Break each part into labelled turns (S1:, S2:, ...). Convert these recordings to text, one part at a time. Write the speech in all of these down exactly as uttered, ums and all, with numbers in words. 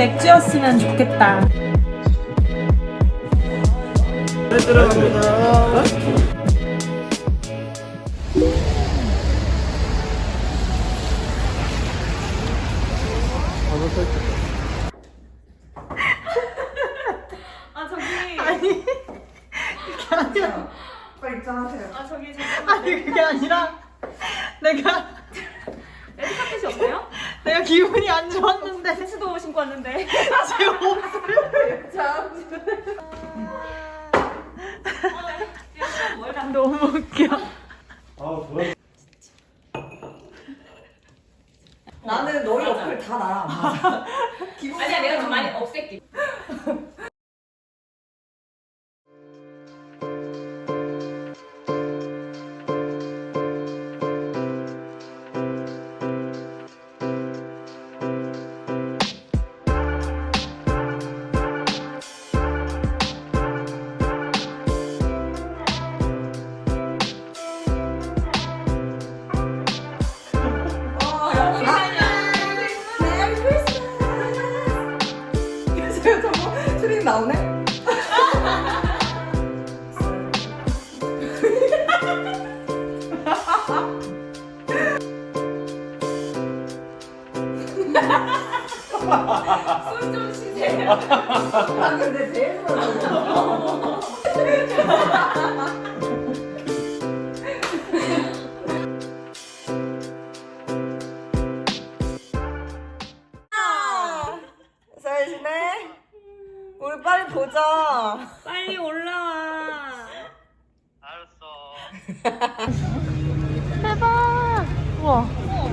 S1: 맥주였으면 좋겠다.
S2: 들어갑니다.
S3: 아 저기
S1: 아니 그게 아니라
S2: 빨리 입장하세요.
S3: 아 저기
S1: 아니 그게 아니라 내가
S3: 레드카펫이 없어요?
S1: 내가 기분이 안 좋았는데
S3: 세수도 신고 왔는데
S1: 지금 옷을
S3: 참
S1: 너무 웃겨.
S2: 나는 너희 어플 다 나랑 안 맞아.
S3: 아니야 내가 좀 많이 없앨게.
S2: 트림 나오네?
S3: 숨 좀 쉬세요.
S2: 아 근데 제일 좋아. 잘 지내? 우리 빨리 보자.
S3: 빨리 올라와.
S1: 대박. 우와.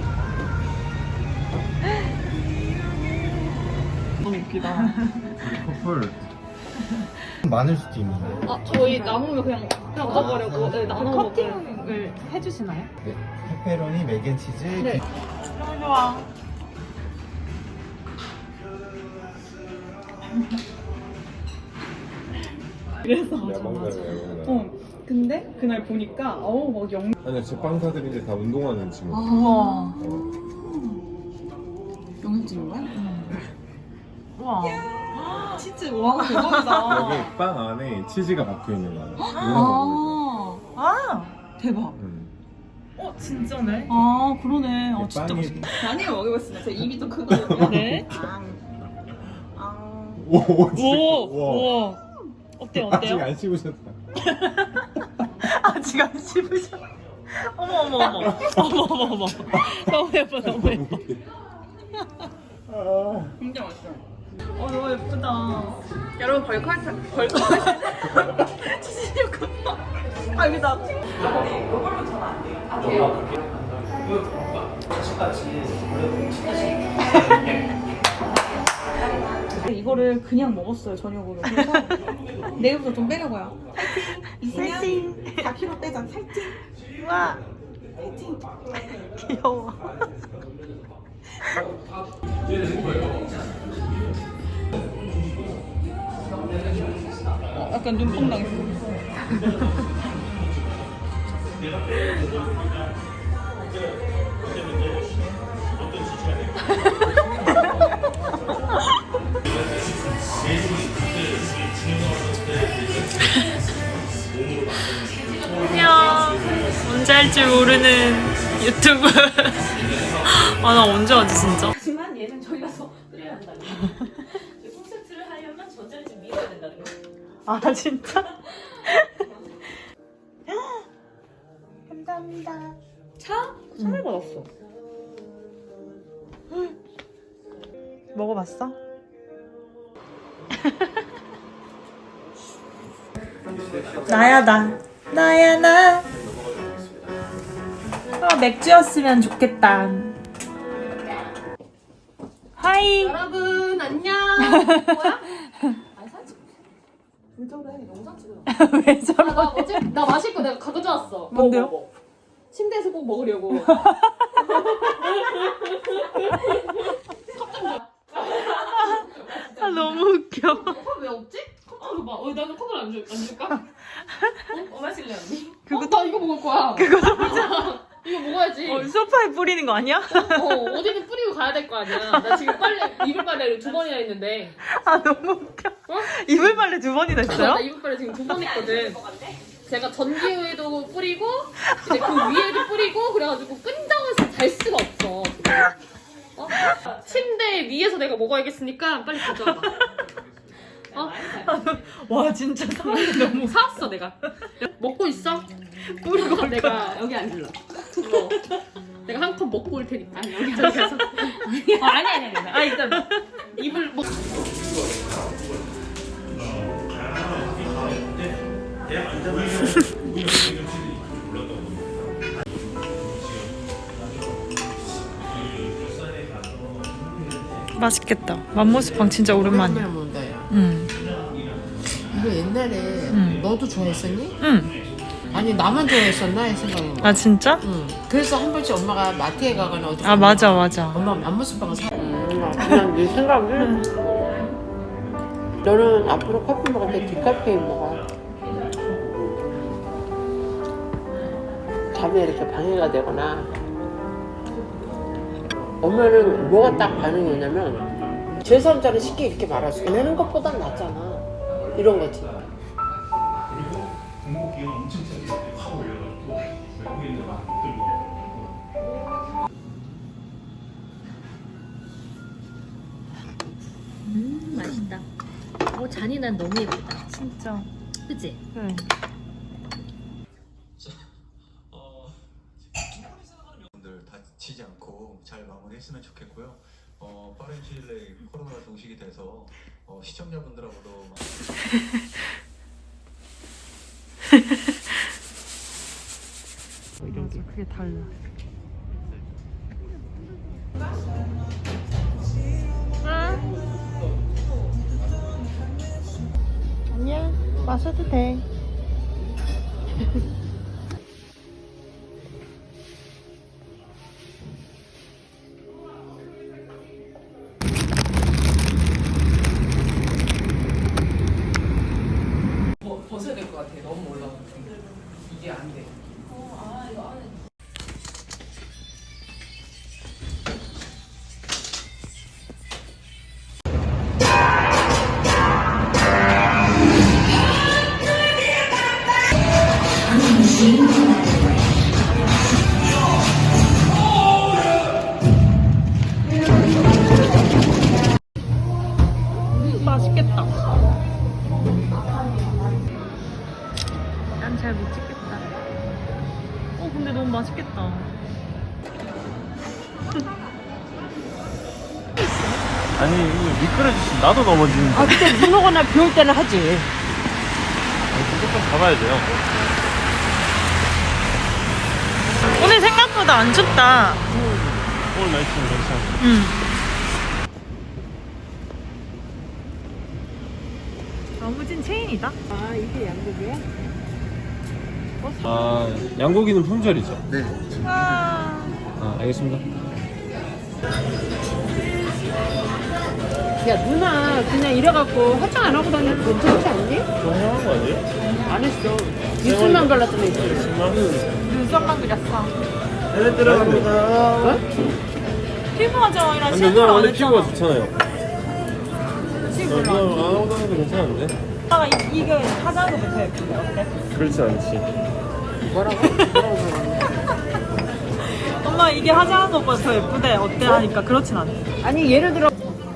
S1: 너무 웃기다.
S4: 커플 많을 수도 있는데.
S3: 아 저희 남으면 그냥 그냥 먹어버려고 네, 나눠 먹어요.
S1: 커팅을 해주시나요?
S4: 네, 페페로니, 맥앤치즈,
S3: 네.
S1: 너무 좋아. 그래서 맞아 맞아. 어. 근데 그날 보니까 어우 막 영.
S4: 아니야, 제빵사들인데 다 운동하는 친구.
S1: 우와.
S4: 어.
S2: 영상 찍는 거야?
S1: 우와. 치즈 와 대박이다.
S4: 여기 빵 안에 치즈가 박혀 있는 거야.
S2: 아,
S1: 아 대박.
S4: 음.
S1: 어 진짜네.
S2: 아 그러네. 아,
S4: 이
S2: 진짜
S4: 빵이
S2: 맛있다. 많이 먹어봤습니다. 제 입이 좀 크거든요.
S1: 네.
S2: 아, 아.
S4: 오, 오, 진짜.
S1: 오
S4: 우와.
S1: 우와. 어때요
S4: 아직
S1: 어때요?
S4: 안 씹으셨다.
S1: 아직 안 씹으셔. 어머 어머 어머 어머 어머 어머. 너무 예뻐 너무 예뻐.
S4: 아.
S2: 진짜 맛있어.
S1: 어 너무 예쁘다.
S2: 여러분 벌컬 벌컬.
S1: 아 여기 나.
S2: 이거를 그냥 먹었어요 저녁으로. 그래서 내일부터 좀 빼려고요. 파이팅. 있으면 사 킬로그램 빼자. 파이팅.
S1: 우와.
S2: 파이팅.
S1: 귀여워.
S2: 어, 약간 눈뽕 당했어.
S1: 안녕. 언제 할 줄 모르는 유튜브. 아 나 언제 하지 진짜?
S3: 하지만 얘는 저희 가서 끓여야 한다는 거. 콘서트를 하려면 전자를 좀 밀어야 된다는 거.
S1: 아 진짜? 감사합니다.
S2: 차? 선물 받았어.
S1: 먹어봤어? 나야 나 나야 나. 아 맥주였으면 좋겠다. 하이.
S3: 여러분 안녕. 뭐야? 아니 사진. 왜 저래? 영상 찍어요.
S1: 왜 저러?
S3: 아, 나 어제 나 마실 거 내가 가져왔어.
S1: 뭔데요?
S3: 뭐, 뭐, 뭐. 침대에서 꼭 먹으려고.
S1: 아 너무 웃겨.
S3: 컵 왜 없지? 컵 좀 줘봐. 어, 나는 컵을 안, 줄, 안 줄까? 어? 뭐 마실래 언니?
S1: 그거
S3: 어, 나 이거 먹을 거야.
S1: 그거 좀
S3: 이거 먹어야지.
S1: 어, 소파에 뿌리는 거 아니야?
S3: 어, 어디는 뿌리고 가야 될 거 아니야. 나 지금 빨래 이불 빨래를 두 번이나 했는데.
S1: 아 너무 웃겨.
S3: 어?
S1: 이불 빨래 두 번이나 했어요?
S3: 나 이불 빨래 지금 두 번 했거든. 제가 전기에도 뿌리고 이제 그 위에도 뿌리고 그래가지고 끈적어서 잘 수가 없어. 어? 침대 위에서 내가 먹어야겠으니까 빨리 가져와봐. 어?
S1: 와 진짜 상황이 너무
S3: 사왔어 내가. 먹고 있어?
S1: 뿌리고 올
S3: 내가 여기 앉을라. 어. 내가 한 컵 먹고 올 테니까. 아니 여기 앉아서. 어, 아니 아니 아니. 아 일단 이불 뭐.
S1: 맛있겠다. 맘모스빵 진짜 오랜만이야.
S5: 오랜만에 먹는다 야.
S1: 응.
S5: 이거 옛날에
S1: 응.
S5: 너도 좋아했었니?
S1: 응.
S5: 아니 나만 좋아했었나 이 생각인 거야.
S1: 아 진짜?
S5: 응. 그래서 한 번씩 엄마가 마트에 가거나 어디
S1: 아 맞아 맞아.
S5: 엄마 맘모스빵을 사. 그냥 네 생각을. 너는 앞으로 커피 먹을 때 디카페인 먹어. 잠에 이렇게 방해가 되거나. 엄마는 뭐가 딱 반응이 오냐면 제삼 자를 쉽게 이렇게 말할 수 내는 것보단 낫잖아. 이런 거지.
S3: 음 맛있다. 어 잔인한 너무 예쁘다.
S1: 진짜.
S3: 그치?
S1: 응.
S6: 분들 다치지 않고 잘 마무리했으면 좋겠고요. 어, 빠른 시일 내에 코로나가 종식이 돼서 어, 시청자분들하고도
S1: 맞아 그게 달라. 아니야 마셔도 돼.
S5: 벗어야 될 것 같아. 너무 올라가. 이게 안 돼.
S1: 맛있겠다. 난 잘 못 찍겠다. 어 근데 너무 맛있겠다.
S7: 아니 이거 미끄러지시 나도 넘어지는데.
S5: 아 근데 눈 오거나 비 올 때는 하지.
S7: 무조건 잡아야 돼요.
S1: 오늘 생각보다 안 춥다.
S7: 오늘 날씨는 괜찮아.
S1: 응. 나무진 체인이다.
S5: 아 이게 양고기야?
S7: 아 양고기는 품절이죠.
S4: 네.
S1: 와.
S7: 아 알겠습니다.
S5: 야 누나 그냥 이래갖고 화장 안 하고 다니면 괜찮지 않니?
S7: 좀 해한 거 아니에요?
S5: 안 했어. 입술만 발랐더니 입술.
S1: 눈썹만 그렸어.
S7: 네 들어갑니다.
S5: 어?
S1: 피부 화장이랑
S7: 근데
S1: 실물
S7: 누나
S1: 안
S7: 원래
S1: 했잖아.
S7: 피부가 좋잖아요.
S1: 실물
S7: 누나 안 하고 다니도 괜찮은데?
S1: 아 이게 화장도 못해 예쁜데 어때?
S7: 그렇지 않지.
S5: 뭐라고? 뭐라고 그러는
S1: 엄마 이게 화장한 것보다 더 예쁘대 어때 하니까 그렇진 않아.
S5: 아니 예를 들어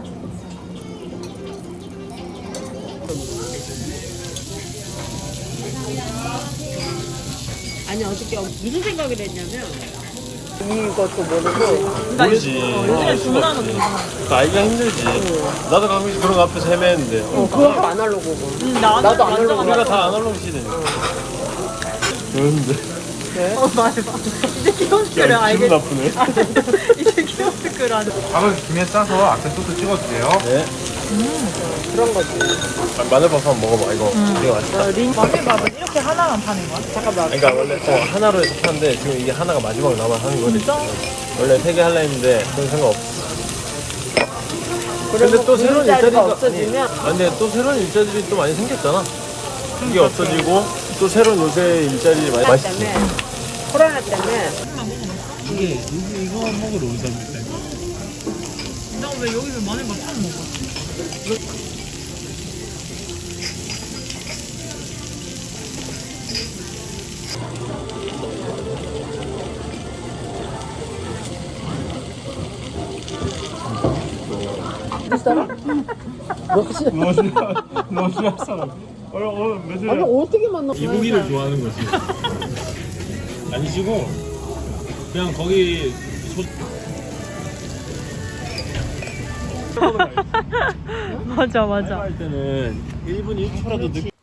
S5: 아니 어저께 무슨 생각을 했냐면 이것도 모르고
S7: 모르지.
S1: 요즘에 주문하는 거 모르잖아.
S7: 그 알기가 힘들지. 나도 가끔씩 그런 거 앞에서 헤매는데.
S5: 어, 그것도 아날로그고
S1: 응, 나는
S5: 나도
S1: 완전
S5: 아날로그.
S7: 우리가 다 아날로그 시대니까. 그런데
S1: 어 말해봐. 이제 키오스크를
S7: 기분
S1: 알겠.
S7: 나쁘네.
S1: 이제 키오스크를 아는.
S4: 밥을 김에 싸서 앞에 소스 찍어주세요.
S7: 네.
S5: 그런 거지.
S7: 아, 마늘밥 한번 먹어봐. 이거 이거 맛있다.
S1: 마늘밥은 이렇게 하나만 파는 거야?
S5: 잠깐만.
S7: 그러니까 원래 어, 하나로 해서 파는데 지금 이게 하나가 마지막 남아 하는 거거든. 원래 세 개 할라 했는데 그런 생각 없어. 근데 또 새로운
S5: 일자리가
S7: 일자리가
S5: 없어지면
S7: 아니, 아, 근데 또 새로운 일자리들이 또 많이 생겼잖아. 이게 없어지고 또 새로운 요새 일자리 많이
S5: 코로나
S7: 맛있지.
S5: 때문에 코로나 때문에
S7: 이게 이거 이거 먹으러 오자니까.
S1: 왜 여기서 마늘밥 처음 먹어?
S7: 너 싫어 너 싫었어 오늘 오늘 며칠
S5: 아니 어떻게 만나?
S7: 이 고기를 좋아하는 거지 아니시고 그냥 거기 소...
S1: 맞아 맞아.
S7: 할 때는 일 분 일 초라도 늦게